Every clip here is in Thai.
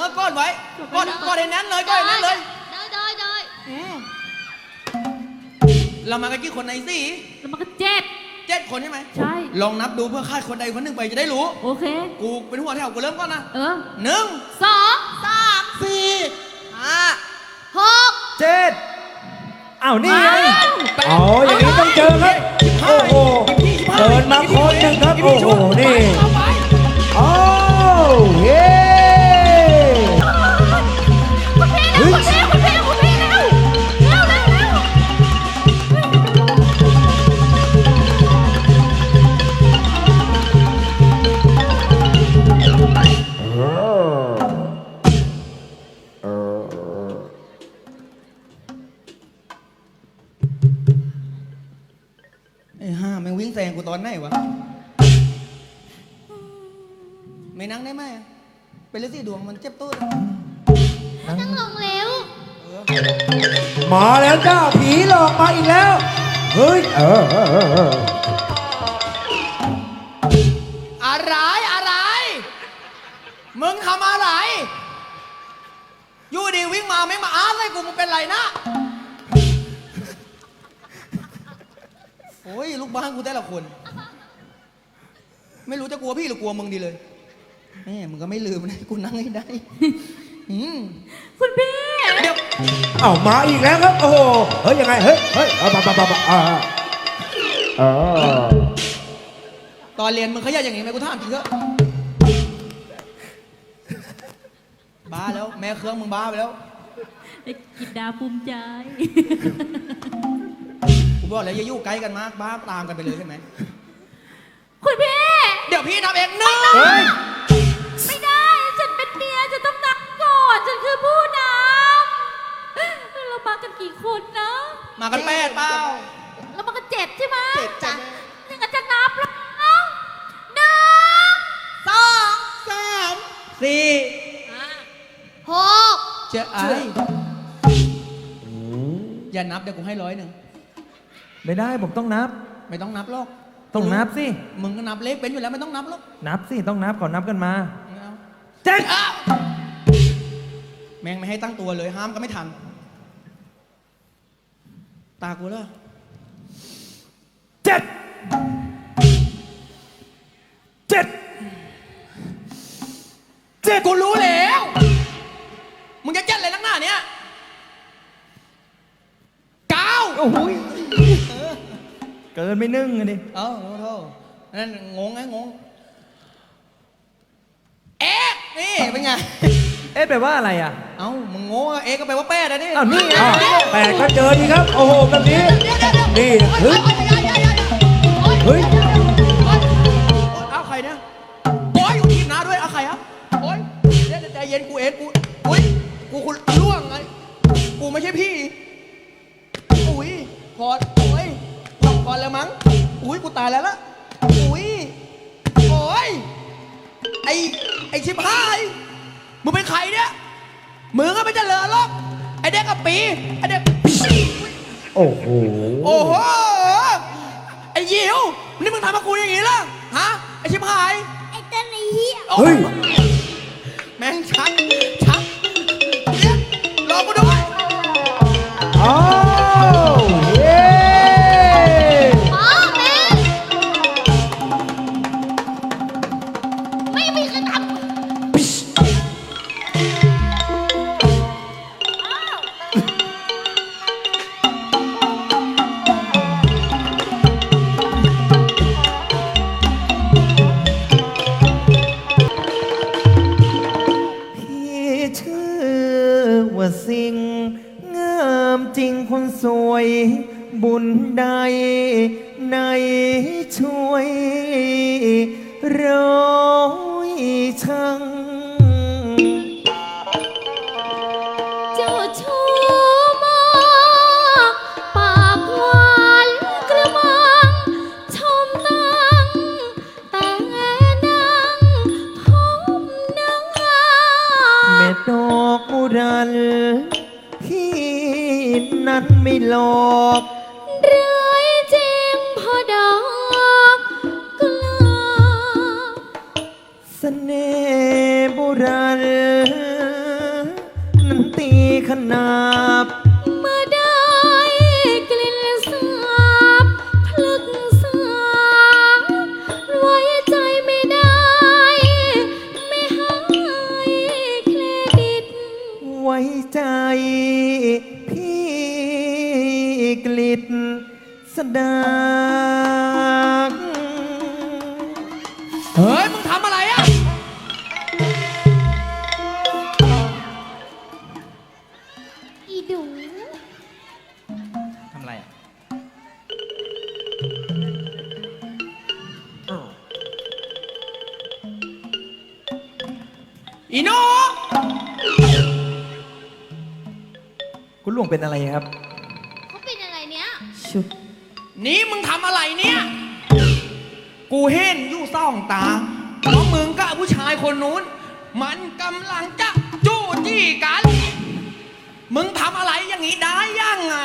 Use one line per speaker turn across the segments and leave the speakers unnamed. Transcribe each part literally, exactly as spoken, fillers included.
ก็กอดไว้กอดกอดในนั้นเลยกอดในนั้นเลย
ได้ได้ได้
เรามากันกี่คนในสี่
เรามากันเจ็ด
เจ็ดคนใช่ไหม
ใช่
ลองนับดูเพื่อคาดคนใดคนหนึ่งไปจะได้รู้
โอเค
กูเป็นหัวแถวกูเริ่มก่อนนะ
เออ
หนึ่ง
สองสาม
สี่ห้า
หก
เจ็ดอ้าวนี่ไงอ๋ออย่างนี้ต้องเจอครับโอ้โหเดินมาคนหนึ่งครับโอ้โหนี่โอ้เฮ้
คุณพี่คุณพี่คุณพี่คุณพี่เร็วเร็วเร็วเร็ว
ไอ้ห่ามันวิ่งแซงกูตอนไหนวะไม่นั่งได้ไหมเป็นฤทธิ์ดวงมันเจ็บตู้
นั่งลงเร็ว
มาแล้วจ้าผีหลอกมาอีกแล้วเฮ้ยเออ
อะไรอะไรมึงทำอะไรอยู่ดีวิ่งมาไม่มาอาร์ตเลยกูมึงเป็นไรนะโอ้ยลูกบ้านกูแต่ละคนไม่รู้จะกลัวพี่หรือกลัวมึงดีเลยแม่มึงก็ไม่ลืมนะกูนั่งให้ได้
คุณพี่
เดี๋ยว
เอามาอีกแล้วครับโอ้โหเฮ้ยยังไงเฮ้ยเฮ้ยเอามามามาอ่าอ่า
ตอนเรียนมึงขยันอย่างนี้ไหมกูถามจริงเถอะบ้าแล้วแม่เครื่องมึงบ้าไปแล้ว
กินดาภูมิใจ
กูบอกแล้วอย่ายุ่งใกล้กันมากบ้าตามกันไปเลยใช่ไหม
คุณพี่
เดี๋ยวพี่ทำเองนึ่ง
ไม่ได้ฉันเป็นเมียฉันต้องนับก่อนฉันคือผู้นำเรามากันกี่คนนะ
มากันแปดเปล่า
เรามากันเจ็ดใช่ไหม
เจ็ดจ้ะ
ยังจะนับแล้วหนึ่ง
สองสามสี่
หก
เจ้าไอ้อย่านับเดี๋ยวกูให้ร้อยหนึ่ง
ไม่ได้ผมต้องนับ
ไม่ต้องนับหรอก
ต้องนับสิ
มึงก็นับเลขเป็นอยู่แล้วไม่ต้องนับหรอก
นับสิต้องนับก่อนนับกันมา
เจ็ดแม่งไม่ให้ตั้งตัวเลยห้ามก็ไม่ทันตากูเลย
เจ็ดเจ็ด
เจ็ดกูรู้แล้วมึงจะเจ็ดอะไรนักหน้าเนี้ยเก้า
โอ้โหเกินไม่นึ่งเลยดิ
เออโทษนั่นงงไงงงเอ๊ะนี่เป็นไง
เอ๊ะแปลว่าอะไรอ่ะ
เอ้ามึงงงเอ๊ะก็แปลว่าแป้นะนี่
อ้าวนี่ไงแปดก็เจอดีครับโอ้โหแบบนี้นี่เฮ้ยเฮ้ย
เอาใครเนี่ยโอ้ยอยู่ทีมน้าด้วยเอาใครครับโอ้ยเดี๋ยวใจเย็นกูเอ็ดกูอุ้ยกูคุณล่วงไงกูไม่ใช่พี่อุ้ยพอดโอ้ยพอดก่อนแล้วมั้งอุ้ยกูตายแล้วละอุ้ยโอ้ยไอไอชิบหายมึงเป็นใครเนี่ยมึงก็ไม่เจริญหรอกไอเด็กกับปีไอเด็ก
โอ้โห
โอ้โหไอยิวนี่มึงทำกับกูอย่างงี้ล่ะฮะไอชิบหาย
ไอเต้นไอเหี้ย
เฮ้ย
แม่งชักชักเรียกรอกูด้วย
อ้าวเย้
อ๋อแม่ไม่มีใครทำ
สิ่งงามจริงคนสวยบุญใดในช่วยร้อยช่าง
เจ้าชู้มากปากหวานกระมังชมนั่งแต่นั่งพมนั่ง
เม็ดดอกมุรันที่นั้นไม่หลอก
เรื่อยจริงพอดอกกลา
เสน่ห์โบราณตีขนาบ
เมื่อได้กลิ่นสาบพลึกสางไว้ใจไม่ได้ ไม่ให้เครดิต
ไว้ใจพี่กลิดสดาก
เฮ้ย มึงทำอะไรอ่ะ
อีดู
ทำอะไรอ่ะ อีโน
คุณหลวงเป็นอะไรครับ
เขาเป็นอะไรเนี้ย
ชุด
นี่มึงทำอะไรเนี่ย กูเห็นอยู่ซ่องตาเพราะมึงกับผู้ชายคนนู้น มันกำลังจะจู้จี้กัน มึงทำอะไรอย่างนี้ได้ยังไง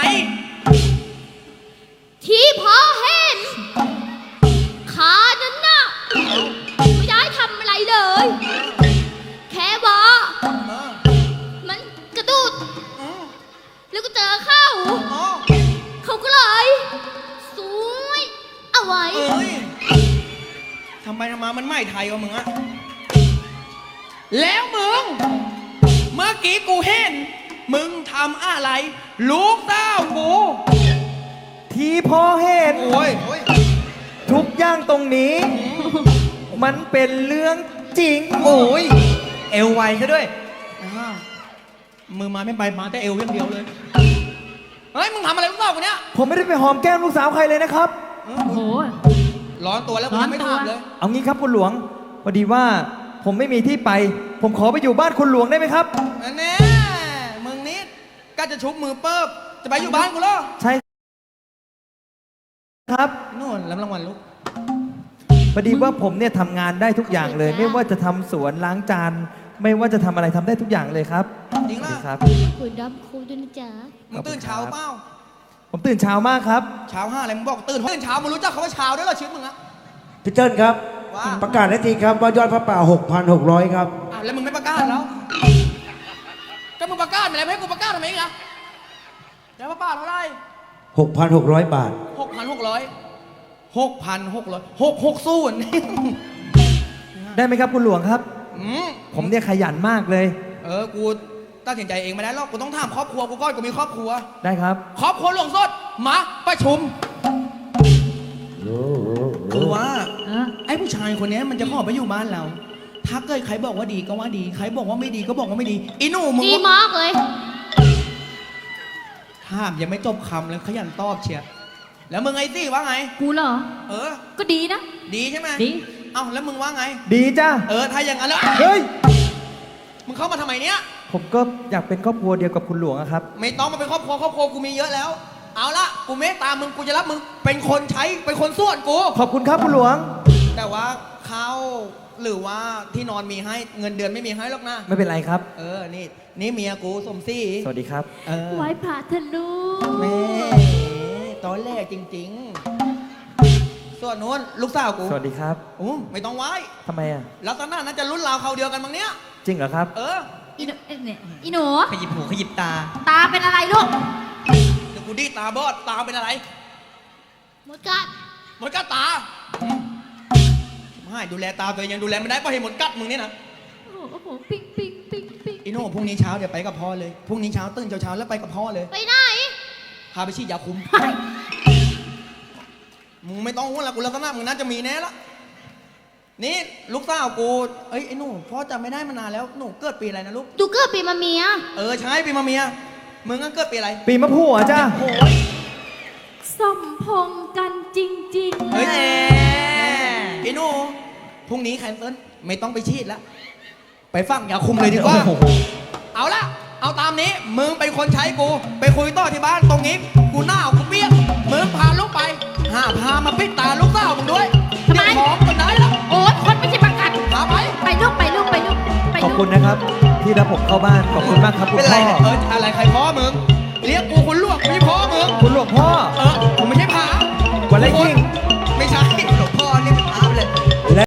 ที่พอเห็น ขานั้นน่ะไม่ได้ทำอะไรเลย แค่ว่า
เออ
มันกระดุด
อืม
แล้วก็เจอเข้า
อ๋อ
เขาก็เลยสวยเอาไว้
เอ้ยทำไปทำมามันไม่ไทยวะมึงอะแล้วมึง เมื่อกี้กูเห็น มึงทำอะไร ลูกเต้ากู
ที่พอเห็น
โอ้ยโอ้ย
ทุกอย่างตรงนี้ มันเป็นเรื่องจริง
โอ้ยเอวไวซะด้วยอ่ามือมาไม่ไปมาแต่เอวอย่างเดียวเลย เฮ้ย มึงทำอะไรลูกเต้ากูเนี่ย
ผมไม่ได้ไปหอมแก้มลูกสาวใครเลยนะครับ
เออ
โอ้โห
ร้อนตัวแล้วกูยังไม่
ร้อนตัว
ทำเลย
เอางี้ครับคุณหลวงพอดีว่าผมไม่มีที่ไป ผมขอไปอยู่บ้านคุณหลวงได้ไหมครับ
อันแน่มึงนิดก็จะชุบมือเปิบจะไปอยู่บ้านกูเหรอ
ใช่ครับ
นู่นรับรางวัลลูก
พอดีว่าผมเนี่ยทำงานได้ทุกอย่างเลย ไม่ว่าจะทำสวนล้างจาน ไม่ว่าจะทำอะไรทำได้ทุกอย่างเลยครับ
จริง
สวัส
ล่ะ
ดีครับ
คุณรับครูด้วยนะจ๊ะ
มึงตื่นเช้าเปล่า
ผมตื่นเช้ามากครับ
เช้าห้าอะไรมึงบอกตื่นตื่นเช้ามึงรู้จักคำว่าเช้าด้วยเหรอชีวิตมึงอะ
พี่เจิ้นครับ
ว่า
ประกาศได้ทีครับว่ายอดพระป่า หกพันหกร้อย ครับ
อ้าวแล้วมึงไม่ประกาศแล้วก็มึงประกาศมาแล้วไม่ให้กูประกาศทำไมอีกอะแล้วป้าเท่าไหร่
หกพันหกร้อย บาท
หกพันหกร้อยหกพันหกร้อยหกหกศูนย์
ได้ไหมครับคุณหลวงครับ
อืม
ผมเนี่ยขยันมากเลย
เออกูตัดสินใจเองไม่ได้หรอกกูต้องถามครอบครัวกูก่อนกูมีครอบครัว
ได้ครับ
ครอบครัวหลวงสดมาประชุมคือว่า
เออ
ไอ้ผู้ชายคนนี้มันจะขอไปอยู่บ้านเรา ถ้าเกิดใครบอกว่าดีก็ว่าดี ใครบอกว่าไม่ดีก็บอกว่าไม่ดีอีหนูมึง
ดี
ว่า
มากเลย
ห้ามยังไม่จบคำเลยขยันตอบเชียร์แล้วมึงไอ้ซี่ว่าไง
กูเหรอ
เออ
ก็ดีนะ
ดีใช่ไหม
ดี
เอ้าแล้วมึงว่าไง
ดีจ้า
เออถ้าอย่างนั้นแล้ว
เฮ้ย
มึงเข้ามาทำไมเนี้ย
ผมก็อยากเป็นครอบครัวเดียวกับคุณหลวงอะครับ
ไม่ต้องมาเป็นครอบครัวครอบครัวกูมีเยอะแล้ว เอาละกูเมตตามึงกูจะรับมึงเป็นคนใช้เป็นคนส่วนกู
ขอบคุณครับคุณหลวง
แต่ว่าข้าวหรือว่าที่นอนมีให้เงินเดือนไม่มีให้หรอกนะ
ไม่เป็นไรครับ
เออนี่นี่เมียกูสมศรี
สวัสดีครับ
เออ
ไว้พระเธอะลูก
แม่ตอนแรกจริง ๆ ส่วนนู้นลูกสาวกู
สวัสดีครับ
อู้ไม่ต้องไหว้
ทำไมอะ
ลักษณะน่าจะรุ่นราวเขาวเดียวกันมั้งเนี้ย
จริงเหรอครับ
เออ
อีหนูเอ้ยเนี่ยอีหนู
ขยิบหูขยิบตา
ตาเป็นอะไรลูก
เดี๋ยวกูดีตาบอดตาเป็นอะไร
หมดกัด
หมดกัดตาไม่ดูแลตาตัวเองยังดูแลไม่ได้เพราะเห็นหมดกัดมึงนี่นะ
โอ้โหโอ้โหปิ๊งปิ๊งปิ๊งปิ๊ง
อีโน่พรุ่งนี้เช้าเดี๋ยวไปกับพ่อเลย พรุ่งนี้เช้าตื่นเช้าๆแล้วไปกับพ่อเลย
ไปไหน
พาไปฉีดยาคุม มึงไม่ต้องห่วงละกูลักษณะมึงน่าจะมีแน่ละ นี่ลูกสาวกู เอ้ยไอ้หนูพ่อจำไม่ได้มานานแล้ว หนูเกิดปีอะไรนะลูก
ดูเกิดปีมาเมีย
เออใช่ปีมาเมีย มึงก็เกิดปีอะไร
ปีมะผัวจ้า
โอ้ย
สมพงษ์กันจริงๆ
เฮ้ย
แหละ
ไอ้หนูพรุ่งนี้แคนเซิลไม่ต้องไปฉีดแล้ว ไปฟังยาคุมเลยดีกว่า
โอ้โห
เอาละ เอาตามนี้ มึงเป็นคนใช้กู ไปคุยต่อที่บ้านตรงนี้ กูหน้ากูเปี้ยกมึงพาลูกไป หาพามาปิดตาลูกสาวมึงด้วย
ทำไม
เดี๋ยวของกันได้แล้ว
โอ๊ยคนไม่ใช่ประกัน
พาไป
ไปลูกไปลูกไปลูกไป
ขอบ
ลูก
คุณนะครับ ที่รับผมเข้าบ้าน ขอบคุณมากครับคุณ
เป็นไร
พ่อ
เนี่ยเอออะไรใครพ่อมึง